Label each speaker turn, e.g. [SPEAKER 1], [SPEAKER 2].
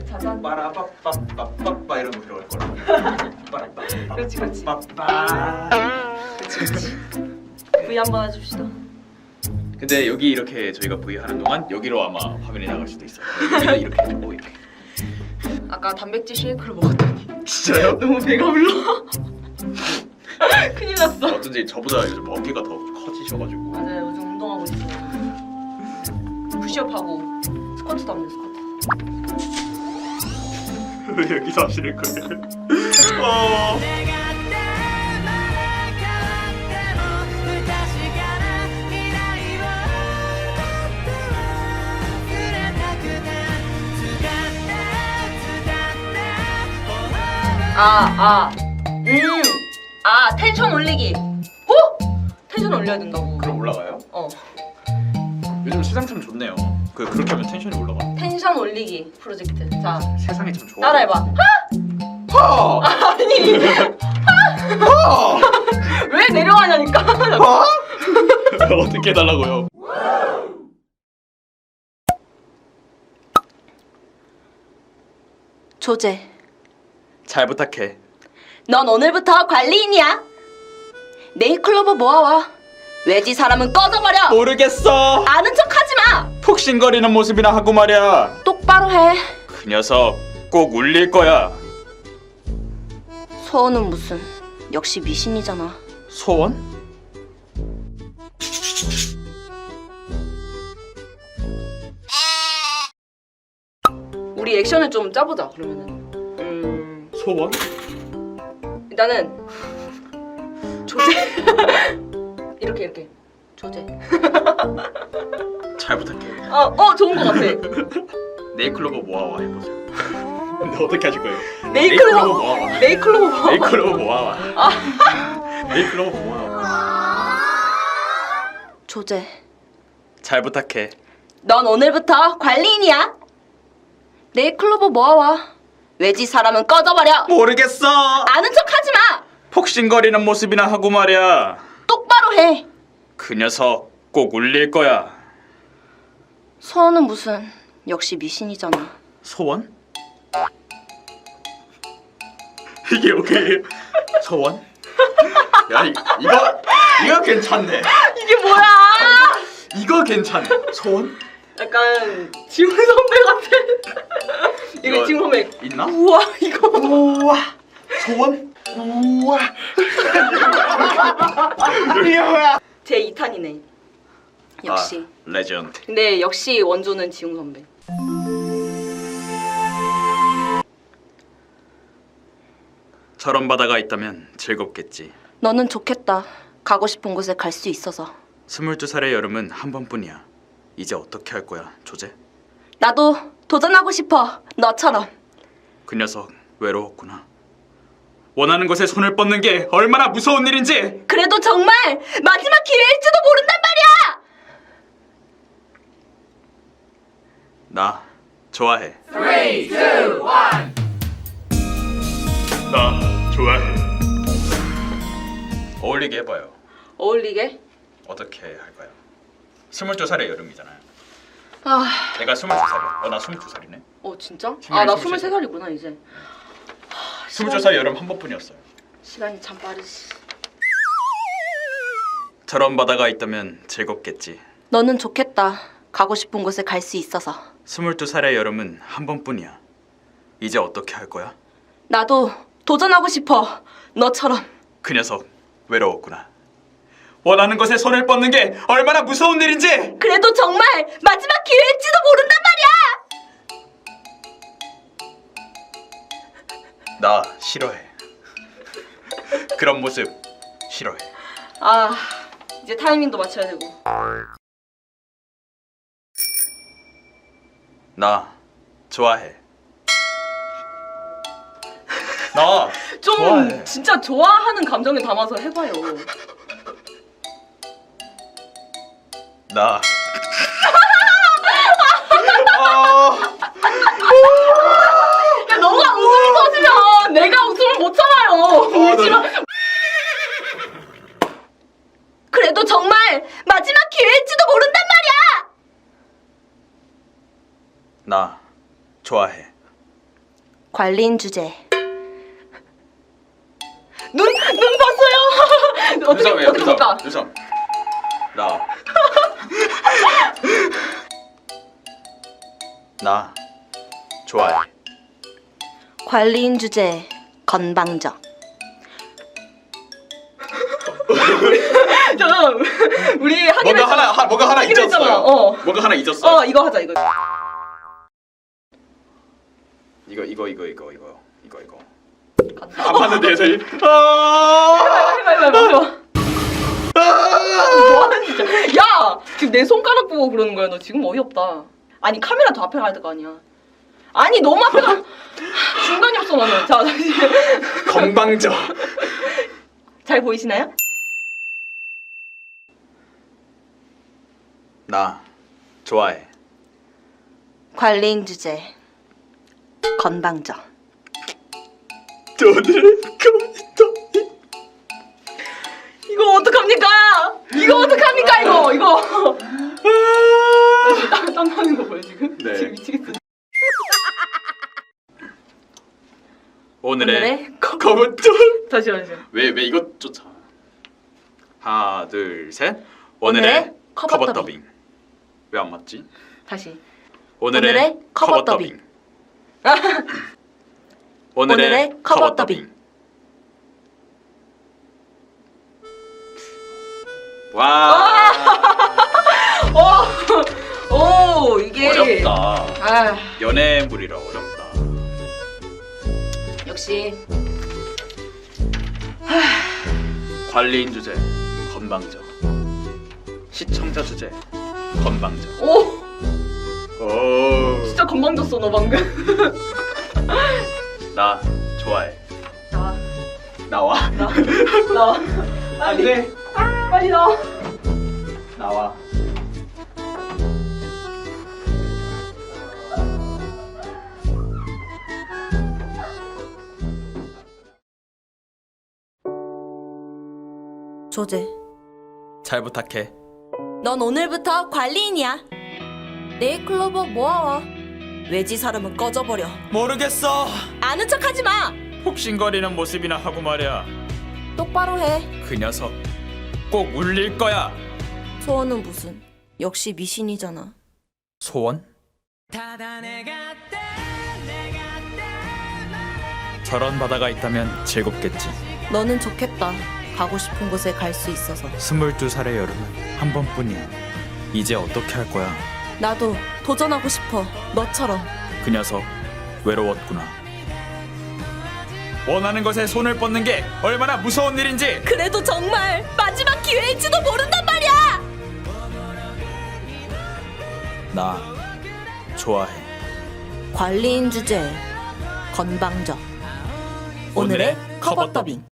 [SPEAKER 1] 자잔.
[SPEAKER 2] 빠라빠빠빠빠 이런 거 들어갈 거라. 빠라빠빠.
[SPEAKER 1] 그렇지 그렇지.
[SPEAKER 2] 빠빠.
[SPEAKER 1] V 한번 해줍시다.
[SPEAKER 2] 근데 여기 이렇게 저희가 V 하는 동안 여기로 아마 화면이 나갈 수도 있어요. 여기는 이렇게 해주고 이렇게.
[SPEAKER 1] 아까 단백질 쉐이크를 먹었더니
[SPEAKER 2] 진짜요?
[SPEAKER 1] 너무 배가 불러. 큰일 났어.
[SPEAKER 2] 어쩐지 저보다 요즘 어깨가 더 커지셔가지고.
[SPEAKER 1] 맞아요. 요즘 운동하고 있어요. 푸시업하고 스쿼트도 합니다. 스쿼트.
[SPEAKER 2] 왜 여기서 하시는 거예요?
[SPEAKER 1] 텐션 올리기. 텐션 올려야 된다고.
[SPEAKER 2] 그럼 올라가요? 요즘 세상 참 좋네요. 그렇게 하면 텐션이 올라가.
[SPEAKER 1] 텐션 올리기 프로젝트. 자,
[SPEAKER 2] 세상이 참 좋아.
[SPEAKER 1] 따라해봐.
[SPEAKER 2] 하!
[SPEAKER 1] 아니. 왜 내려가냐니까.
[SPEAKER 2] 어떻게 해달라고요?
[SPEAKER 1] 조제,
[SPEAKER 2] 잘 부탁해.
[SPEAKER 1] 넌 오늘부터 관리인이야. 네일클로버 모아와. 외지 사람은 꺼져버려.
[SPEAKER 2] 모르겠어.
[SPEAKER 1] 아는 척하지 마.
[SPEAKER 2] 푹신거리는 모습이나 하고 말이야.
[SPEAKER 1] 똑바로 해.
[SPEAKER 2] 그 녀석 꼭 울릴 거야.
[SPEAKER 1] 소원은 무슨? 역시 미신이잖아.
[SPEAKER 2] 소원?
[SPEAKER 1] 우리 액션을 좀 짜보자. 그러면은.
[SPEAKER 2] 소원?
[SPEAKER 1] 일단은 조제. 이렇게 조제.
[SPEAKER 2] 잘 부탁해.
[SPEAKER 1] 좋은 거 같아.
[SPEAKER 2] 네이클로버 모아와 해보자. 근데 어떻게 하실 거예요?
[SPEAKER 1] 네이클로버
[SPEAKER 2] 모아와.
[SPEAKER 1] 네이클로버 모아와.
[SPEAKER 2] 네이클로버 모아와. 네이클로버 모아와.
[SPEAKER 1] 조제,
[SPEAKER 2] 잘 부탁해.
[SPEAKER 1] 넌 오늘부터 관리인이야. 네이클로버 모아와. 외지 사람은 꺼져버려.
[SPEAKER 2] 모르겠어.
[SPEAKER 1] 아는 척하지 마.
[SPEAKER 2] 폭신거리는 모습이나 하고 말이야.
[SPEAKER 1] 똑바로 해.
[SPEAKER 2] 그 녀석 꼭 울릴 거야.
[SPEAKER 1] 소원은 무슨? 역시 미신이잖아.
[SPEAKER 2] 소원? 이게 오케이. 소원? 야 이거 괜찮네.
[SPEAKER 1] 이게 뭐야?
[SPEAKER 2] 이거 괜찮네. 소원?
[SPEAKER 1] 약간 지훈 선배 같아. 이거 지훈 선배.
[SPEAKER 2] 있나?
[SPEAKER 1] 우와 이거.
[SPEAKER 2] 우와. 소원? 우와. 이게 뭐야?
[SPEAKER 1] 제 2탄이네. 역시.
[SPEAKER 2] 레전드.
[SPEAKER 1] 근데 역시 원조는 지훈 선배.
[SPEAKER 2] 저런 바다가 있다면 즐겁겠지.
[SPEAKER 1] 너는 좋겠다. 가고 싶은 곳에 갈 수 있어서.
[SPEAKER 2] 22살의 여름은 한 번뿐이야. 이제 어떻게 할 거야, 조제?
[SPEAKER 1] 나도 도전하고 싶어. 너처럼.
[SPEAKER 2] 그 녀석 외로웠구나. 원하는 것에 손을 뻗는 게 얼마나 무서운 일인지.
[SPEAKER 1] 그래도 정말 마지막 기회일지도 모른단 말이야.
[SPEAKER 2] 나 좋아해.
[SPEAKER 3] 3, 2, 1.
[SPEAKER 2] 나 좋아해. 어울리게 해봐요.
[SPEAKER 1] 어울리게?
[SPEAKER 2] 어떻게 할까요? 22살의 여름이잖아요. 내가
[SPEAKER 1] 아,
[SPEAKER 2] 22살이야. 나 22살이네.
[SPEAKER 1] 진짜?
[SPEAKER 2] 지금
[SPEAKER 1] 나
[SPEAKER 2] 23
[SPEAKER 1] 23살이구나 이제.
[SPEAKER 2] 22살 여름 한 번뿐이었어요.
[SPEAKER 1] 시간이 참 빠르지.
[SPEAKER 2] 저런 바다가 있다면 즐겁겠지.
[SPEAKER 1] 너는 좋겠다. 가고 싶은 곳에 갈 수 있어서.
[SPEAKER 2] 22살의 여름은 한 번뿐이야. 이제 어떻게 할 거야?
[SPEAKER 1] 나도 도전하고 싶어. 너처럼.
[SPEAKER 2] 그 녀석 외로웠구나. 원하는 것에 손을 뻗는 게 얼마나 무서운 일인지.
[SPEAKER 1] 그래도 정말 마지막 기회일지도 모른단 말이야.
[SPEAKER 2] 나 싫어해. 그런 모습 싫어해.
[SPEAKER 1] 이제 타이밍도 맞춰야 되고.
[SPEAKER 2] 나 좋아해. 나
[SPEAKER 1] 좀
[SPEAKER 2] 좋아해.
[SPEAKER 1] 진짜 좋아하는 감정을 담아서 해봐요.
[SPEAKER 2] 나
[SPEAKER 1] 야, 너가 웃음이 터지면 내가 웃음을 못 참아요. 울지마. 그래도 정말 마지막 기회일지도 모른단 말이야.
[SPEAKER 2] 나 좋아해.
[SPEAKER 3] 관리인 주제.
[SPEAKER 1] 눈 봤어요. 어떻게 볼까?
[SPEAKER 2] 유섬. 나. 나 좋아해.
[SPEAKER 3] 관리인 주제. 건방져.
[SPEAKER 1] 잠깐 우리 하기로 했잖아.
[SPEAKER 2] 뭔가 하나
[SPEAKER 1] 하기로
[SPEAKER 2] 잊었어요.
[SPEAKER 1] 했잖아. 어.
[SPEAKER 2] 뭔가 하나 잊었어.
[SPEAKER 1] 이거 하자 이거.
[SPEAKER 2] 이거. 안 봤는데 저희.
[SPEAKER 1] 해봐. 뭐하는 진짜. 야 지금 내 손가락 보고 그러는 거야. 너 지금 어이없다. 아니 카메라 더 앞에 가야 될 거 아니야. 아니 너무 앞에 가. 중간이 없어 나는. 자 다시.
[SPEAKER 2] 건방져.
[SPEAKER 1] 잘 보이시나요?
[SPEAKER 2] 나 좋아해.
[SPEAKER 3] 관리인 주제. 건방져.
[SPEAKER 2] 오늘의 컴퓨터.
[SPEAKER 1] 이거 어떡합니까? 이거. 땀 나는 거 보여 지금?
[SPEAKER 2] 네.
[SPEAKER 1] 지금 미치겠어.
[SPEAKER 2] 오늘의 컴퓨터.
[SPEAKER 1] 다시.
[SPEAKER 2] 왜 이것조차. 하나 둘 셋.
[SPEAKER 3] 오늘의
[SPEAKER 2] 오늘의
[SPEAKER 3] 커버
[SPEAKER 2] 커버
[SPEAKER 3] 더빙.
[SPEAKER 2] 더빙. 왜 안 맞지?
[SPEAKER 1] 다시.
[SPEAKER 2] 오늘의 커버 더빙. 오늘의 커버 더빙. 와.
[SPEAKER 1] 오 이게
[SPEAKER 2] 어렵다.
[SPEAKER 1] 아
[SPEAKER 2] 연애물이라 어렵다.
[SPEAKER 1] 역시
[SPEAKER 2] 관리인 주제 건방져. 시청자 주제 건방져.
[SPEAKER 1] 오
[SPEAKER 2] 오.
[SPEAKER 1] 진짜 건방졌어 너 방금.
[SPEAKER 2] 나 좋아해.
[SPEAKER 1] 나와.
[SPEAKER 2] 나와.
[SPEAKER 1] 빨리. 빨리 나와.
[SPEAKER 2] 나와.
[SPEAKER 3] 조제.
[SPEAKER 2] 잘 부탁해.
[SPEAKER 3] 넌 오늘부터 관리인이야. 네일클로버 모아와. 외지 사람은 꺼져버려.
[SPEAKER 2] 모르겠어.
[SPEAKER 3] 아는 척하지 마.
[SPEAKER 2] 폭신거리는 모습이나 하고 말이야.
[SPEAKER 3] 똑바로 해.
[SPEAKER 2] 그 녀석 꼭 울릴 거야.
[SPEAKER 3] 소원은 무슨? 역시 미신이잖아.
[SPEAKER 2] 소원? 저런 바다가 있다면 즐겁겠지.
[SPEAKER 3] 너는 좋겠다. 가고 싶은 곳에 갈 수 있어서.
[SPEAKER 2] 22살의 여름은 한 번뿐이야. 이제 어떻게 할 거야?
[SPEAKER 3] 나도 도전하고 싶어. 너처럼.
[SPEAKER 2] 그 녀석 외로웠구나. 원하는 것에 손을 뻗는 게 얼마나 무서운 일인지.
[SPEAKER 3] 그래도 정말 마지막 기회일지도 모른단 말이야.
[SPEAKER 2] 나 좋아해.
[SPEAKER 3] 관리인 주제 건방져. 오늘의 커버 더빙.